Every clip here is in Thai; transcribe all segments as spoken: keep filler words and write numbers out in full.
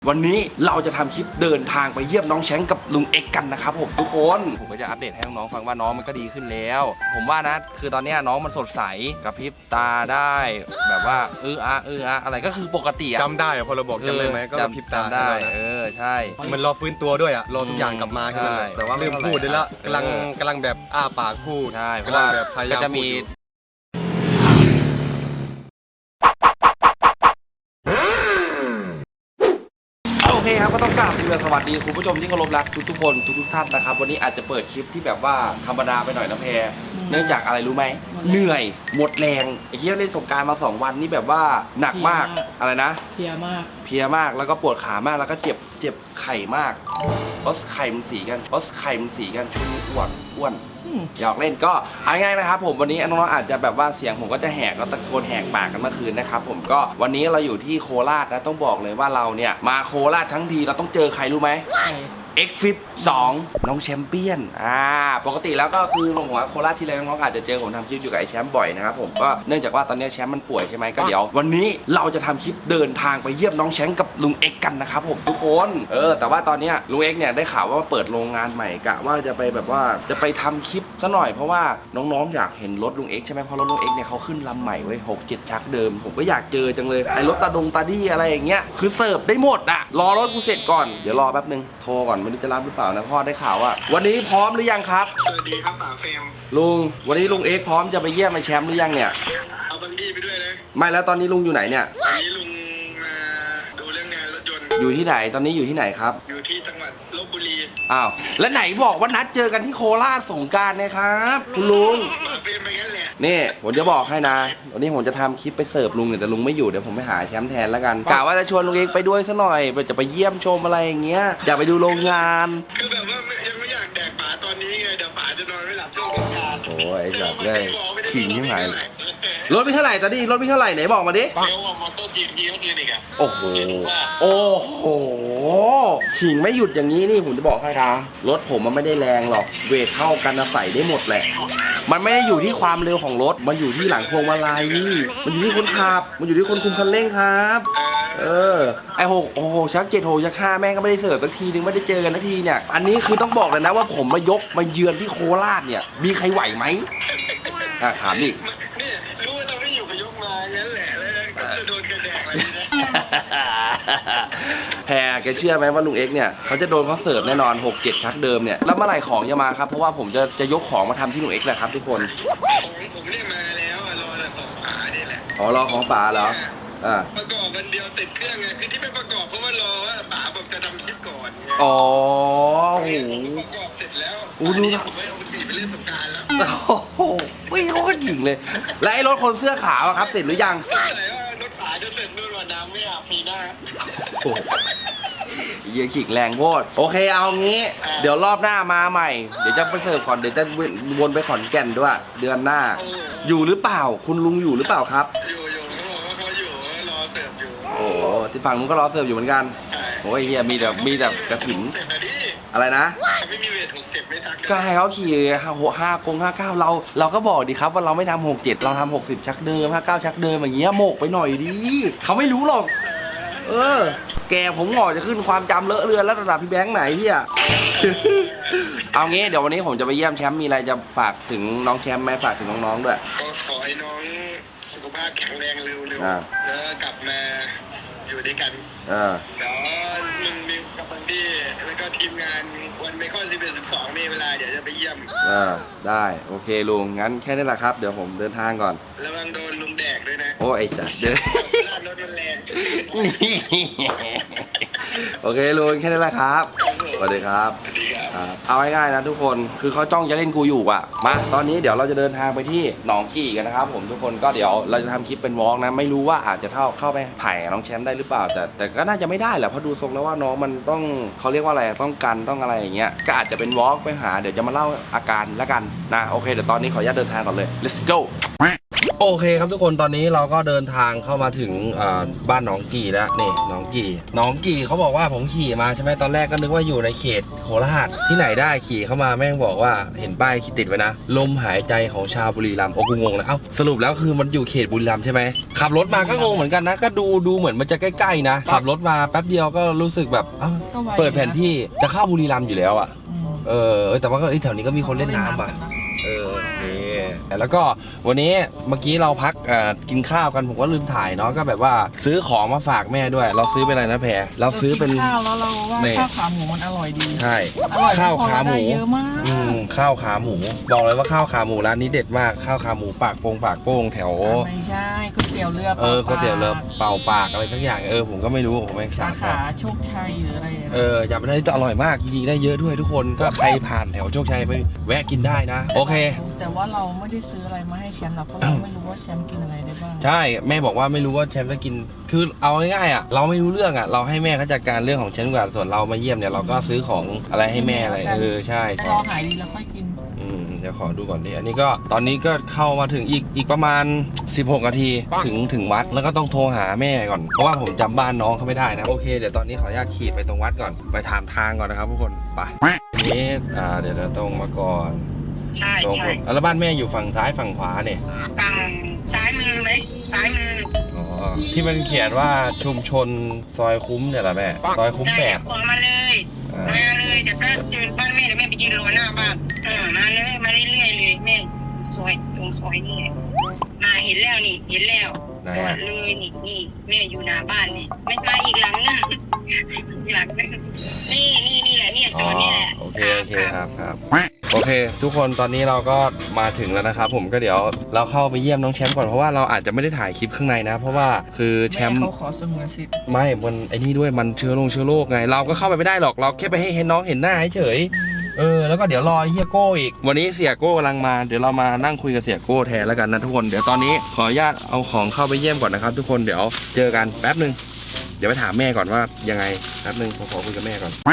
วันนี้เราจะทำคลิปเดินทางไปเยี่ยมน้องแชงกับลุงเอ็กกันนะครับผมทุกคนผมก็จะอัปเดตให้น้องๆฟังว่าน้องมันก็ดีขึ้นแล้วผมว่านะคือตอนนี้น้องมันสดใสกับพริบตาได้แบบว่าเอออะเอออะอะไรก็คือปกติอะจำได้อะพอเราบอกจำได้ไหมก็พริบตาได้เออใช่มันรอฟื้นตัวด้วยอะรอทุกอย่างกลับมาแค่นั้นแต่ว่าลืมพูดได้ละกำลังกำลังแบบอ้าปากพูดใช่เพราะว่าว่าแบบพยายามจะมีโอเคครับก็ต้องกราบสวัสดีคุณผู้ชมที่เคารพรักทุกๆคนทุกๆท่านนะครับวันนี้อาจจะเปิดคลิปที่แบบว่าธรรมดาไปหน่อยนะแพรเนื่องจากอะไรรู้ไหมเหนื่อยหมดแรงไอ้เหี้ยเล่นสงกรานต์มาสองวันนี่แบบว่าหนักมากอะไรนะเพลียมากเพลียมากแล้วก็ปวดขามากแล้วก็เจ็บเจ็บไข่มากเพราะไข่มันสีกันเพราะไข่มันสีกันช่วงนี้อ้วนอ้วนอยากเล่นก็เอาง่ายๆนะครับผมวันนี้น้องๆอาจจะแบบว่าเสียงผมก็จะแหกก็ตะโกนแหกปากกันเมื่อคืนนะครับผมก็วันนี้เราอยู่ที่โคราชนะต้องบอกเลยว่าเราเนี่ยมาโคราชทั้งทีเราต้องเจอใครรู้ไหมเอ็กฟิปสองน้องแชมเปี้ยนอ่าปกติแล้วก็คือผมว่าโคราชที่ไรน้องๆอาจจะเจอผมทำคลิปอยู่กับไอ้แชมป์บ่อยนะครับผมก็เนื่องจากว่าตอนนี้แชมป์มันป่วยใช่ไหมก็เดี๋ยววันนี้เราจะทำคลิปเดินทางไปเยี่ยมน้องแชมป์กับลุงเอ็กกันนะครับผมทุกคนเออแต่ว่าตอนนี้ลุงเอ็กเนี่ยได้ข่าวว่าเปิดโรงงานใหม่กะว่าจะไปแบบว่าจะไปทำคลิปซะหน่อยเพราะว่าน้องๆอยากเห็นรถลุงเอ็กใช่ไหมเพราะรถลุงเอ็กเนี่ยเขาขึ้นลำใหม่เว้ยหกเจ็ดชักเดิมผมก็อยากเจอจังเลยไอ้รถตาดงตาดี้อะไรอย่างเงี้ยคือเสิร์ฟได้หมดอะรอรถกูเสร็จก่อนเดี๋ยวรอแป๊บนึงโทรก่อนไม่รู้จะรับหรือเปล่านะพ่อได้ข่าวว่าวันนี้พร้อมหรือยังครับสวัสดีครับป๋าเฟรมลุงวันนี้ลุงเอ็กพร้อมจะไปเยี่ยมไอ้แชมป์หรือยังเนี่ยเอาบังกี้ไปด้วยเลยไม่แล้วตอนนี้ลุงอยู่ไหนเนี่ยตอนนี้ลุงมาดูเรื่องงานรถยนต์อยู่ที่ไหนตอนนี้อยู่ที่ไหนครับอยู่ที่จังหวัดลพบุรีอ้าวแล้วไหนบอกว่านัดเจอกันที่โคราชสงกรานต์นะครับคุณลุงป๋าเฟรมไปงั้นแหละนี่ผมจะบอกให้นะวันนี้ผมจะทำคลิปไปเสิร์ฟลุงเนี่ยแต่ลุงไม่อยู่เดี๋ยวผมไปหาแชมป์แทนแล้วกันกะว่าจะชวนลุงเอ็กไปด้วยซะหน่อยจะไปเยี่ยมชมอะไรอย่างเงี้ยอยากไปดูโรงงานคือแบบว่ายังไม่อยากแดกป๋าตอนนี้ไงเดี๋ยวป๋าจะนอนไม่หลับช่วงสงกรานต์โอ้ยจับได้ขิงยังไงรถมีเท่าไหร่ตอนนี้รถมีเท่าไหร่ไหนบอกมาดิเดี๋ยวว่ามอเตอร์จีพีเมื่อคืนอีกอะโอ้โหโอ้โหขิงไม่หยุดอย่างนี้นี่ผมจะบอกให้นะรถผมมันไม่ได้แรงหรอกเวทเท่ากันใส่ได้หมดแหละมันไม่ได้อยู่ที่ความเร็วของรถมันอยู่ที่หลังพวงมาลัยมันอยู่ที่คนขับมันอยู่ที่คนคุมคันเร่งครับเออไอหกโอ้โหชักเจ็ดโหชักห้าแม่งก็ไม่ได้เสิร์ฟสักทีนึงไม่ได้เจอกันสักทีเนี่ยอันนี้คือต้องบอกเลยนะว่าผมมายกมาเยือนที่โคราชเนี่ยมีใครไหวไหมอ่ะถามดินี่รู้ว่าตอนที่อยู่กับยกมางั้นแหละแล้วก็จะโดนกระแดกอะไรนะแพรแกเชื่อไหมว่าลุงเอ็กเนี่ยเขาจะโดนเขาเสิร์ฟแน่นอนหกเจ็ดชักเดิมเนี่ยแล้วเมื่อไหร่ของจะมาครับเพราะว่าผมจะจะยกของมาทำที่ลุงเอ็กแหละครับทุกคนของผมเนี่ยมาแล้วรอแต่ของป๋านี่แหละอ๋อรอของป๋าเหรออ่าประกอบวันเดียวติดเครื่องไงคือที่ไม่ประกอบเพราะว่ารอว่าป๋าบอกจะทำคลิปก่อนไงอ๋อโอ้โหประกอบเสร็จแล้วอู้ดูผมไม่เอาไปขี่ไปเล่นสงกรานต์แล้วโอ้โหวิ่งเขาก็หญิงเลยแล้วไอ้รถคนเสื้อขาวครับเสร็จหรือยังใช่ว่ารถป๋าจะเสร็จนู่นวันน้ำไม่อาบปีหน้าเยี่ยขิงแรงโพดโอเคเอางี้เดี๋ยวรอบหน้ามาใหม่เดี๋ยวจะไปเสิร์ฟก่อนเดี๋ยวจะวนไปขอนแก่นด้วยเดือนหน้าอยู่หรือเปล่าคุณลุงอยู่หรือเปล่าครับอยู่อยู่เขาบอกว่าเขาอยู่รอเสิร์ฟอยู่โอ้ที่ฝั่งนู้นก็รอเสิร์ฟอยู่เหมือนกันโอ้ยเฮียมีแต่มีแต่กระถิ่นอะไรนะเขาไม่มีเวทหกเจ็ดไม่ทักก็ให้เขาขี่ห้าหกห้ากงห้าเก้าเราเราก็บอกดีครับว่าเราไม่ทำหกเจ็ดเราทำหกสิบชักเดิมห้าเก้าชักเดิมอย่างเงี้ยโมกไปหน่อยดิเขาไม่รู้หรอกเออแกผมหงอจะขึ้นความจำเลอะเลือนแล้วระดับพี่แบงค์ไหนเฮียเอางี้เดี๋ยววันนี้ผมจะไปเยี่ยมแชมป์มีอะไรจะฝากถึงน้องแชมป์ไหมฝากถึงน้องๆด้วยก็ขอให้น้องสุขภาพแข็งแรงเร็วๆแล้วกลับมาอยู่ด้วยกันเออเดี๋ยวมึงมีกับบังดี้แล้วก็ทีมงานวันเมคอนสิบเอ็ดสิบสองมีเวลาเดี๋ยวจะไปเยี่ยมเออได้โอเคลุงงั้นแค่นี้แหละครับเดี๋ยวผมเดินทางก่อนระวังโดนลุงแดกด้วยนะโอ้ไอ้จัดเดินรถมันแรงโอเคลุงแค่นี้แหละครับสวัสดีครับเอาง่ายๆนะทุกคนคือเขาจ้องจะเล่นกูอยู่อ่ะมาตอนนี้เดี๋ยวเราจะเดินทางไปที่หนองกี่กันนะครับผมทุกคนก็เดี๋ยวเราจะทำคลิปเป็นวอล์กนะไม่รู้ว่าอาจจะเข้าเข้าไปถ่ายน้องแชมป์ได้หรือเปล่าแต่แต่ก็น่าจะไม่ได้แหละเพราะดูทรงแล้วว่าน้องมันต้องเขาเรียกว่าอะไรต้องกันต้องอะไรอย่างเงี้ยก็อาจจะเป็นวอล์กไปหาเดี๋ยวจะมาเล่าอาการละกันนะโอเคเดี๋ยวตอนนี้ขออนุญาตเดินทางก่อนเลย let's go โอเคครับทุกคนตอนนี้เราก็เดินทางเข้ามาถึงบ้านหนองกี่แล้วนี่หนองกี่หนองกี่เขาบอกว่าผมขี่มาใช่ไหมตอนแรกก็นึกว่าอยู่ในเขตโคราชที่ไหนได้ขี่เข้ามาแม่งบอกว่าเห็นป้ายติดไว้นะลมหายใจของชาวบุรีรัมย์โอ้กูงงเลยเอ้าสรุปแล้วคือมันอยู่เขตบุรีรัมย์ใช่ไหมขับรถมาก็งงเหมือนกันนะก็ดูดูเหมือนมันจะใกล้ๆนะขับรถมาแป๊บเดียวก็รู้สึกแบบเอ้าเปิดแผนที่จะเข้าบุรีรัมย์อยู่แล้วอ่ะเออแต่ว่าก็แถวนี้ก็มีคนเล่นน้ำอ่ะเออนี่แล้วก็วันนี้เมื่อกี้เราพักกินข้าวกันผมก็ลืมถ่ายเนาะก็แบบว่าซื้อของมาฝากแม่ด้วยเราซื้อเป็นอะไรนะแพรเราซื้อเป็นข้าวแล้วเราว่าข้าวขาหมูมันอร่อยดีใช่อร่อยข้าวขาหมูเยอะมากอืมข้าวขาหมูบอกเลยว่าข้าวขาหมูร้านนี้เด็ดมากข้าวขาหมูปากโป่งปากโป่งแถวไม่ใช่ก๋วยเตี๋ยวเรือเออก๋วยเตี๋ยวเรือเป่าปากอะไรทั้งอย่างเออผมก็ไม่รู้ผมไม่สั่สาง ขาโชคชัยหรืออะไรเอออยากไปได้แต่อร่อยมากจริงๆได้เยอะด้วยทุกคนก็ใครผ่านแถวโชคชัยไปแวะกินได้นะโอเคแต่ว่าเราไม่ได้ซื้ออะไรมาให้แชมป์หรอกเพราะเราไม่รู้ว่าแชมป์กินอะไรได้บ้างใช่แม่บอกว่าไม่รู้ว่าแชมป์จะกินคือเอาง่ายๆอ่ะเราไม่รู้เรื่องอ่ะเราให้แม่เขาจัดการเรื่องของแชมป์ก่อนส่วนเรามาเยี่ยมเนี่ยเราก็ซื้อของอะไรให้แม่อะไรเออใช่รอหายดีแล้วค่อยกินอืมเดี๋ยวขอดูก่อนดิอันนี้ก็ตอนนี้ก็เข้ามาถึงอีกอีกประมาณสิบหกนาทีถึงถึงวัดแล้วก็ต้องโทรหาแม่ก่อนเพราะว่าผมจำบ้านน้องเขาไม่ได้นะโอเคเดี๋ยวตอนนี้ขออนุญาตขี่ไปตรงวัดก่อนไปถามทางก่อนนะครับทุกคนไปนี่อ่าเดี๋ยวตรงมาก่อนใช่ใช่แล้วบ้านแม่อยู่ฝั่งซ้ายฝั่งขวาเนี่ยฝั่งซ้ายมือไหมซ้ายมืออ๋อที่มันเขียนว่าชุมชนซอยคุ้มเนี่ยแหละแม่ซอยคุ้มแปดขวามาเลยมาเลยเดี๋ยวก็เจอบ้านแม่เดี๋ยวแม่ไปยืนรอหน้าบ้านเออมาเลยมาเรื่อยๆเลยแม่ซอยตรงซอยนี่มาเห็นแล้วนี่เห็นแล้วเลยนี่นี่แม่อยู่หน้าบ้านนี่ไม่มาอีกหลังนึงหลังนึงนี่นี่นี่แหละนี่โซนนี่แหละโอเคโอเคครับครับโอเคทุกคนตอนนี้เราก็มาถึงแล้วนะครับผมก็เดี๋ยวเราเข้าไปเยี่ยมน้องแชมป์ก่อนเพราะว่าเราอาจจะไม่ได้ถ่ายคลิปข้างในนะเพราะว่าคือแชมป์เขาขอสงวนสิทธิ์ไม่มันไอ้นี่ด้วยมันเชื้อโรคเชื้อโรคไงเราก็เข้าไปไม่ได้หรอกเราแค่ไปให้เห็นน้องเห็นหน้าเฉยเออแล้วก็เดี๋ยวรอเฮียโก้อีกวันนี้เสียโก้กำลังมาเดี๋ยวเรามานั่งคุยกับเสียโก้แทนแล้วกันนะทุกคนเดี๋ยวตอนนี้ขออนุญาตเอาของเข้าไปเยี่ยมก่อนนะครับทุกคนเดี๋ยวเจอกันแป๊บนึงเดี๋ยวไปถามแม่ก่อนว่ายังไงแป๊บนึงผมขอคุยกับแม่ก่อน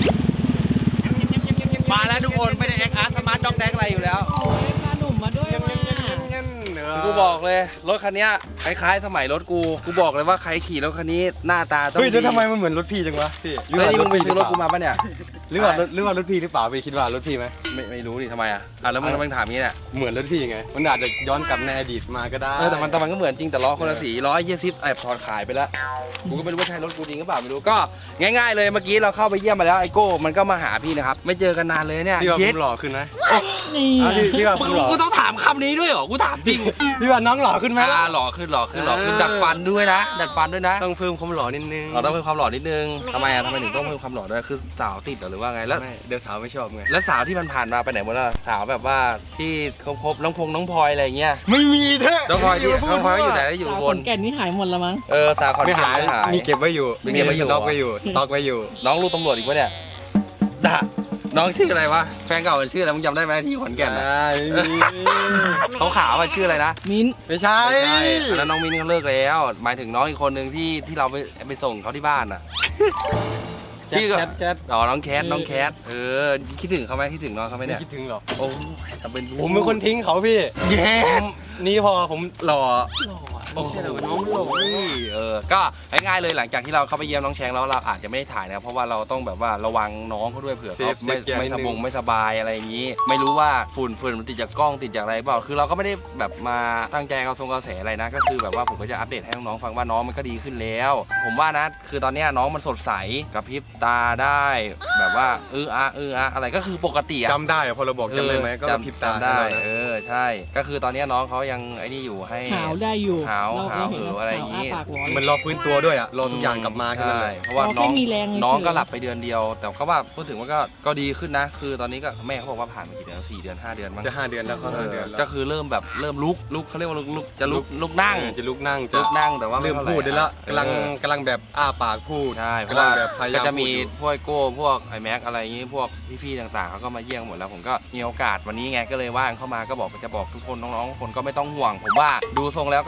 มาแล้วทุกคนไม่ได้แอคอาร์ตสมาร์ทด็อกแดกอะไรอยู่แล้วโอ้ยพาหนุ่มมาด้วยมากูบอกเลยรถคันนี้คล้ายๆสมัยรถกูกูบอกเลยว่าใครขี่รถคันนี้หน้าตาต้องเฮ้ยแล้วทำไมมันเหมือนรถพี่จังวะพี่หรือว่ามึงไปซื้อรถกูมาปะเนี่ยหรือว่ารถหรือว่ารถพี่หรือเปล่าพี่คิดว่ารถพี่ไหมไม่ไม่รู้ดิทำไมอ่ะอ่ะแล้วมึงมึงถามงี้แหละเหมือนรถพี่ไงมันอาจจะย้อนกลับในอดีตมาก็ได้เออแต่มันแต่มันก็เหมือนจริงแต่ล้อคนละสีล้อยี่สิบแอบถอดขายไปแล้วกูก็ไม่รู้ว่าใช่รถกูจริงหรือเปล่าไม่รู้ก็ง่ายๆเลยเมื่อกี้เราเข้าไปเยี่ยมมาแล้วไอโก้มันก็มาหาพี่นะครับไม่เจอกันนานเลยเนี่ยพี่ว่าผมหล่อขึ้นไหมนี่พี่ว่าผมหล่อกูต้องถามคำนี้ด้วยเหรอกูถามจริงพี่ว่าน้องหล่อขึ้นไหมอ่าหล่อขึ้นหล่อขึ้นหล่อขึ้นดัดฟันด้วยนะดัดฟันด้วยนะต้องเพิ่มความหล่อนิดนึงเราต้องเพิ่มความหล่อนิดนึงทำไมอ่ะทำไมถึงต้องเพิ่มความหล่อด้วยคือสาวติดหรือว่าไงแล้วเดี๋ยวสาวไม่ชอบไงแล้วสาวที่มันผ่านมาไปไหนหมดแล้วสาวแบบว่าที่คบน้องพงน้องพลอยอะไรเงี้ยไม่มีเถอะน้องพลอยที่น้องพลอยอยู่ไหนอยู่บนแก่นนี่หายหมดแล้วมั้งเออสาวขอนแก่นไม่หายมีเก็บไว้อยู่มีเก็บไว้อยู่สต็อกไว้อยู่สต็อกไว้อยู่น้องลูกตำรวจอีกปะเนี่ยด่าน้องชื่ออะไรวะแฟนเก่าชื่ออะไรมึงจำได้ไหมที่ขอนแก่นเขาขาวว่าชื่ออะไรนะมิ้นไม่ใช่แล้วน้องมิ้นเขาเลิกแล้วหมายถึงน้องอีกคนหนึ่งที่ที่เราไปไปส่งเขาที่บ้านอ่ะพี่ก็แคทอ๋อน้องแคทน้องแคทเออคิดถึงเขาไหมคิดถึงน้องเขาไหมเนี่ยคิดถึงหรอโอ้แต่เป็นผมเป็นคนทิ้งเขาพี่แย่นี่พอผมหล่อหล่อโอ้โหน้องหล่อเออก็ง่ายๆเลยหลังจากที่เราเข้าไปเยี่ยมน้องแชงแล้วเราอาจจะไม่ได้ถ่ายนะเพราะว่าเราต้องแบบว่าระวังน้องเขาด้วยเผื่อเขาไม่ไม่สบงไม่สบายอะไรอย่างนี้ไม่รู้ว่าฝุ่นฝุ่นมันติดจากกล้องติดจากอะไรเปล่าคือเราก็ไม่ได้แบบมาตั้งใจเอาทรงกระแสอะไรนะก็คือแบบว่าผมก็จะอัปเดตให้น้องๆฟังว่าน้องมันก็ดีขึ้นแล้วผมว่านะคือตอนนี้น้องมันสดใสกับพริบตาได้แบบว่าเอออะเอออะอะไรก็คือปกติจำได้พอเราบอกจำได้ไหมก็พริบตาได้เออใช่ก็คือตอนนี้น้องเขายังไอ้นี่อยู่ให้หาวได้อยู่หาวหาวเหออะไรอย่างนี้มันรอฟื้นตัวด้วยอ่ะรอทุกอย่างกลับมาแค่นั้นเลยเพราะว่าน้องน้องก็หลับไปเดือนเดียวแต่เขาว่าพูดถึงว่าก็ก็ดีขึ้นนะคือตอนนี้ก็แม่เขาบอกว่าผ่านมากี่เดือนสี่เดือนห้าเดือนมั้งจะห้าเดือนแล้วเขาห้าเดือนก็คือเริ่มแบบเริ่มลุกลุกเขาเรียกว่าลุกจะลุกลุกนั่งจะลุกนั่งลุกนั่งแต่ว่าเริ่มพูดได้แล้วกำลังกำลังแบบอ้าปากพูดใช่เพราะว่าก็จะมีพวกโก้พวกไอแม็กอะไรอย่างนี้พวกพี่ๆต่างๆเขาก็มาเยี่ยมหมดแล้วผมก็มีโอกาสวันนี้ไงก็เลยว่างเข้ามาก็บอกจะบอกทุกคนน้องๆคนก็ไม่ต้องห่วงผมว่าดูทรงแล้วก็ภาย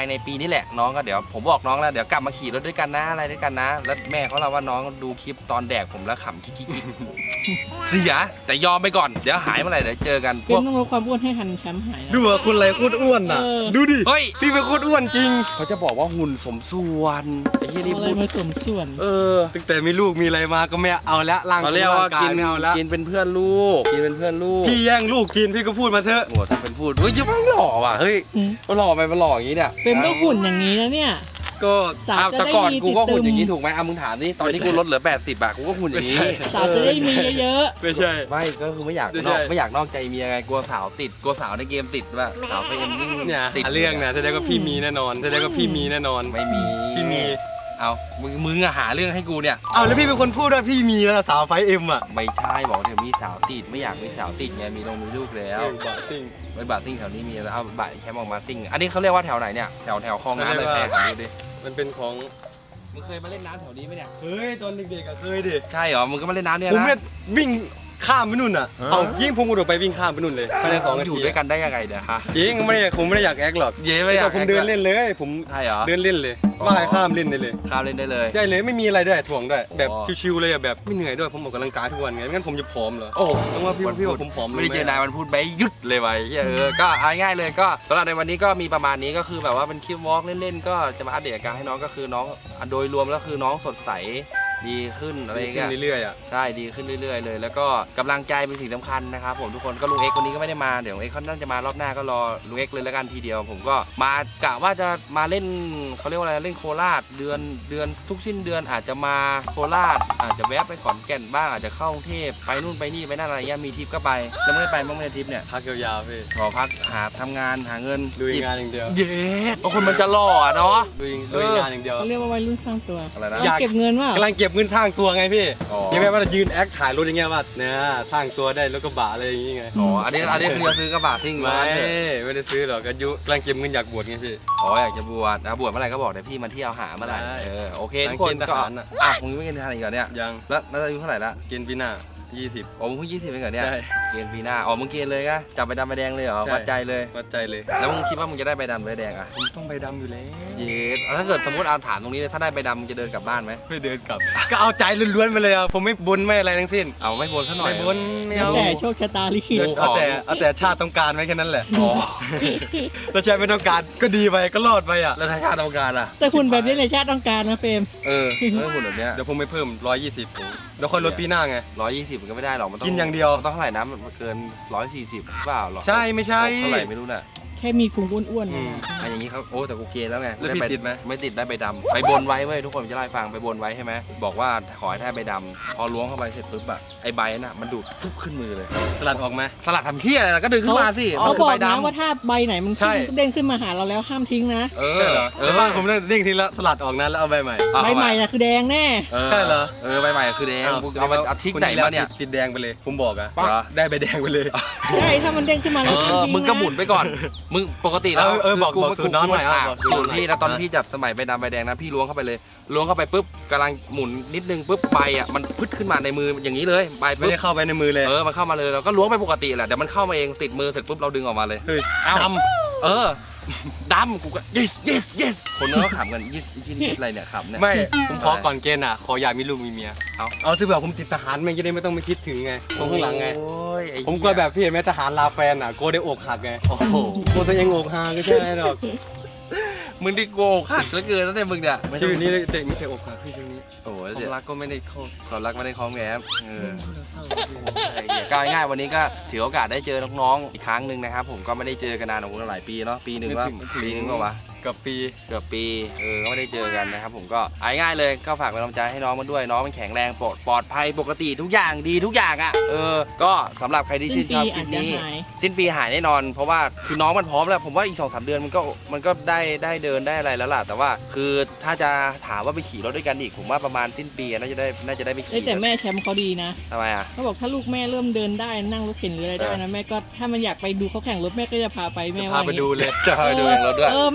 ในปีนี้แหละน้องก็เดี๋ยวผมบอกน้องแล้วเดี๋ยวกลับมาขี่รถด้วยกันนะอะไรด้วยกันนะแล้วแม่เขาเล่าว่าน้องดูคลิปตอนแดกผมแล้วขำกิ๊กๆเสียแต่ยอมไปก่อนเดี๋ยวหายเมื่อไหร่เดี๋ยวเจอกันพเป็วน กต้องลดความอ้วนให้ทันแชมป์หายนะดูว่าคุณอะไรโคตรอ้วนน่ะเออดูดิเฮ้ยพี่เป็นโคตรอ้วนจริงเขาจะบอกว่าหุ่นสมส่วนไอ้ที่นี่เอาอะไรพูดมาสมส่วนเออตั้งแต่มีลูกมีอะไรมาก็ไม่เอาละร่างเขาเรียกว่าร่งกินไม่เอาละกินเป็นเพื่อนลูกกินเป็นเพื่อนลูกพี่แย่งลูกกินพี่ก็พูดมาเถอะโหทำเป็นพูดเฮ้ยยังไม่หล่อว่ะเฮ้ยอืมมันหล่อไปมันหล่ออย่างนี้เนี่ยเป็นต้องหุ่นอย่างนี้นะเนี่ยก็สาวอ้าวจะแต่ได้ก่อนมีกูก็หุ่นอย่างนี้ติดตึมถูกไหมอ่ะมึงถามดิตอนที่กูลดเหลือแปดสิบอะกูก็หุ่นอย่างนี้สาวจะได้มีเยอะไม่ใช่ไม่ก็คือไม่อยากไม่นใช่อกไม่อยากนอกใจเมียไงกลัวสาวติดกลัวสาวในเกมติดว่าสาวไปเอ็มนี่เนี่ยติดหาเรื่องนะแสดงว่าพี่มีแน่นอนแสดงว่าพี่มีแน่นอนไม่มีพี่มีเอามึงมึงอะหาเรื่องให้กูเนี่ยเอาแล้วพี่เป็นคนพูดว่าพี่มีแล้วสาวไฟเอ็มอ่ะไม่ใช่บอกเดี๋ยวมีสาวติดไม่อยากมีสาวติดไงมีลงมีลูกแล้วเออบ้าจริงไปบาร์ซิ่งแถวนี้มีแล้วเอาบาร์แคมป์ออกมาซิ่งอันนี้เขาเรียกว่าแถวไหนเนี่ยแถวแถวคลองน้ำเลยแพร่ถามดูดิมันเป็นของมึงเคยมาเล่นน้ำแถวนี้ไหมเนี่ยเฮ้ยตอนเด็กๆอะเคยดิใช่เหรอมึงก็มาเล่นน้ำเนี่ยผมนะเนี่ยวิ่งข้ามไปนู่นอ่ะเอายิ่งผมกระโดดไปวิ่งข้ามไปนู่นเลยภายในสองนาอทียู่ด้วยกันได้ยังไงเดี๋ยวฮะจริงไม่ได้ผมไม่ได้อยากแอคหรอกเย้ไม่อยากแต่ผมเดินเล่นเลยผมใช่เหรอเดินเล่นเลยอ๋อว่ายข้ามเล่นได้เลยข้ามเล่นได้เลยใช่เลยไม่มีอะไรด้วยถ่วงด้วยแบบอ๋อชิวๆเลยอะแบบไม่เหนื่อยด้วยผมออกกำลังกายทุกวันไงไม่งั้นผมจะผอมเหรอโอ้ต้องว่าพี่ว่าพี่ว่าผมผอมลงไม่ได้เจอหนายมันพูดไปหยุดเลยไปเออก็เอาง่ายๆเลยก็สำหรับในวันนี้ก็มีประมาณนี้ก็คือแบบว่าเป็นคลิปวอล์กเล่นๆก็จะมาอัปเดตอาการให้น้องก็คือน้องโดยรวมแล้วคือน้องสดใสดีขึ้นอะไรอย่างขึ้เงี้ยนเรื่อยๆอ่ะใช่ดีขึ้นเรื่อยๆเลยแล้วก็กำลังใจเป็นสิ่งสำคัญนะครับผมทุกคนก็ลุงเอ็กซ์วันนี้ก็ไม่ได้มาเดี๋ยวลุงเอ็กซ์เขาน่าจะมารอบหน้าก็รอลุงเอ็กซ์เลยแล้วกันทีเดียวผมก็มากะว่าจะมาเล่นเขาเรียกว่าอะไรเล่นโคราชเดือนเดือนทุกสิ้นเดือนอาจจะมาโคราชอาจจะแวะไปขอนแก่นบ้างอาจจะเข้ากรุงเทพไปนู่นไปนี่ไปนั่นอะไรเงี้ยมีทริปก็ไปแล้วไม่ได้ไปบ้างไหมทริปเนี่ยพักยาวๆพี่ขอพักหาทำงานหาเงินลุยงานอย่างเดียวเย้เพราะคนมันจะหล่ออะเนาะลุยลุยงานอย่างเดียวเขาเรียกว่าวัยรุ่นสร้างตัวอะไรนะอยากเก็บเงินว่ากำลังเก็บเงินสร้างตัวไงพี่อ๋อยังไม่ว่าจะยืนแอคถ่ายรถอย่างเงี้ยว่าเนี่ยสร้างตัวได้รถกระบะอะไรอย่างงี้ไงอ๋ออันนี้อันนี้คือจะซื้อกระบะซิ่งไม่มาเถอะไม่ได้ซื้อหรอกอายุกำลังเก็บเงินอยากบวชไงพี่อ๋ออยากจะบวชนะบวชเมื่อไหร่ก็บอกเดี๋ยวพี่มาเที่ยวหาเมื่อไหร่ได้เออโอเคหลัทุงกคนเกณฑ์ทก็หารน่ะอ่ะมึงไม่เกณฑ์ทหารอีกเหรอเนี่ยยังแล้วแล้วอายุเท่าไหร่ละเกณฑ์ปีหน้ายี่สิบอ๋อมึงเพิ่งยี่สิบเองเหรอเนี่ยใช่เกณฑ์ปีหน้าอ๋อมึงเกณฑ์เลยก็จับใบดำใบแดงเลยเหรอใช่วัดใจเลยวัดใจเลยแล้วมึงคิดว่ามึงจะได้ใบดำใบแดงอ่ะผมต้องใบดำอยู่แล้วเย็ดถ้าเกิดสมมติเอาฐานตรงนี้เลยถ้าได้ใบดำมึงจะเดินกลับบ้านไหมไม่เดินกลับ ก็เอาใจล้วนๆไปเลยอ่ะผมไม่บนไม่อะไรทั้งสิ้นเอาไม่บนซะหน่อยไม่บนไม่แล้วเอาแต่โชคชะตาลิขิตโอ้เอาแต่เอาแต่ชาติต้องการไว้แค่นั้นแหละอ๋อถ้าชาติไม่ต้องการก็ดีไปก็รอดไปอ่ะแล้วถ้าชาติต้องการอ่ะแต่คุณแบบนี้เลยชาติต้องการนะเฟรมเออเออหุ่นแบบเนี้ยเดี๋ยวผมไปเพิ่มร้อยยี่สิบเดี๋ยวค่อยลดปีหน้าไงร้อยยี่สิบมันก็ไม่ได้หรอกมันต้องกินอย่างเดียวมันต้องเท่าไหร่นะมันเกินร้อยสี่สิบเปล่าหรอใช่ไม่ใช่เท่าไหร่ไม่รู้น่ะแค่มีพุงอ้วนๆอืนะมอันอย่างนี้เขาโอ้แต่กูเกณฑ์แล้วไงแล้วพี่ติดไหมไม่ติดได้ใบดำไปบนไว้เว้ยทุกคนจะเล่าให้ฟังไปบนไว้ใช่ไหมบอกว่าขอให้ได้ใบดำพอล้วงเข้าไปเสร็จปุ๊บอะไอใบน่ะมันดูดปุ๊บขึ้นมือเลยสลัดออกไหมสลัดทำเที่ยอะไรล่ะก็ดึงขึ้นมาสิเขาคืบอกใบนะดำว่าถ้าใบไหนมันใช่ขึ้นเด้งขึ้นมาหาเราแล้วห้ามทิ้งนะเออใช่เหรอเอเอออบ้านผมเนี่ยเด้งทีละสลัดออกนะแล้วเอาใบใหม่เอาใบใหม่น่ะคือแดงแน่ใช่เหรอเออใบใหม่คือแดงกูเอามาเอาทิ้งไหนมาเนี่ยติดแดงไปเลย ผมบอกอะเหรอได้ใบแดงไปเลยใช่ถ้ามันเด้งขึ้นมาเอแล้วห้ามอทิ้งมึงก็หมุนนะไปก่อนมึงปกติแล้วเออเออบอกคืบอกสูตรน้องหน่อยอ่ะบอกสูตรสูตรพี่นะตอนหน่อยพี่จับสมัยใบดำใบแดงนะพี่ล้วงเข้าไปเลยล้วงเข้าไปปุ๊บกำลังหมุนนิดนึงปุ๊บใบอ่ะมันพึดขึ้นมาในมืออย่างนี้เลยใบไม่ปุ๊บได้เข้าไปในมือเลยเออมันเข้ามาเลยเราก็ล้วงไปปกติแหละเดี๋ยวมันเข้ามาเองติดมือเสร็จปุ๊บเราดึงออกมาเลยเฮ้ยเอ้าดเออดำกูก็ yes yes yes คนนั้นก็ขำกันยี่ยี่นี่อะไรเนี่ยขำเนี่ยำไม่ ผมขอก่อนเกณฑ์อ่ะ ขออยากมีลูกมีเมียเอาเอาซึ่งแบบผมติดทหารมันจะได้ไม่ต้องไปคิดถึงไงตรงข้างหลังไงโอ้ยไอ้เหี้ยผมกลัวแบบพี่เห็นไหมทหารลาแฟนอ่ะกลัวได้อกหักไงโอ้โหกลัวตัวเองอกหักก็ใช่หรอกมึงดิโกหักเหลือเกินแล้วเนี่ยมึงเนี่ยชื่อนี้เด็กไม่เคยอกหักพี่ชื่อนี้โอ้ยความรักก็ไม่ได้เข้าความรักไม่ได้คล้องแง้มเออเศร้าไอ้เหี้ยก็ง่ายๆวันนี้ก็ถือโอกาสได้เจอน้องๆอีกครั้งหนึ่งนะครับผมก็ไม่ได้เจอกันนานของหลายปีเนาะปีหนึ่งว่าปีหนึ่งก็วะกับปีเกือบปีเออก็ไม่ได้เจอกันนะครับผมก็เอาง่ายๆเลยก็ฝากเป็นกำลังใจให้น้องมันด้วยน้องมันแข็งแรงปลอดปลอดภัยปกติทุกอย่างดีทุกอย่างอ่ะเออก็สำหรับใครที่ชื่นชอบคลิปนี้ สิ้นปีหายแน่นอนเพราะว่าคือน้องมันพร้อมแล้วผมว่าอีกสองสามเดือนมันก็มันก็ได้ได้เดินได้อะไรแล้วล่ะแต่ว่าคือถ้าจะถามว่าไปขี่รถด้วยกันอีกผมว่าประมาณสิ้นปีน่าจะได้น่าจะได้ไปเอ้ยขี่แต่แม่แชมป์เขาดีนะทำไมอ่ะเขาบอกถ้าลูกแม่เริ่มเดินได้นั่งรถเข็นหรืออะไรได้นะแม่ก็ถ้ามันอยากไปดูเขาแข่งรถแม่ก็จะพาไปแม่พาว่าไปดูเลยจะพาไปดูเองรถด้วยเออแม่เขาบอก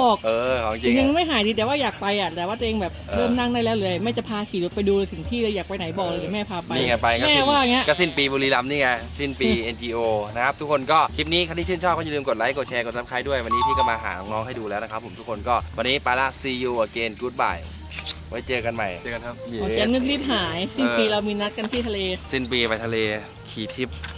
บอกเออของจริยัง งอะไม่หายดีแต่ว่าอยากไปอ่ะแต่ว่าตัวเองแบบเออเริ่มนั่งได้แล้วเลยแม่จะพาขี่รถไปดูถึงที่เลยอยากไปไหนบอกเลยเดี๋ยวแม่พาไปนี่ไงไปก็แม่สิ้นว่าอย่างเงี้ยก็สิ้นปีบุรีรัมย์นี่ไงสิ้นปี เอ็น จี โอ นะครับทุกคนก็คลิปนี้ใครที่ชื่นชอบก็อย่าลืมกดไลค์กดแชร์กดซับสไครต์ด้วยวันนี้พี่ก็มาหาน้องๆให้ดูแล้วนะครับผมทุกคนก็วันนี้ไปละ see you again goodbye ไว้เจอกันใหม่เจอกันครับอ๋อแกนึกรีบหายสิ้นปีเรามีนัดกันที่ทะเลสิ้นปีไปทะเลขี่ทริป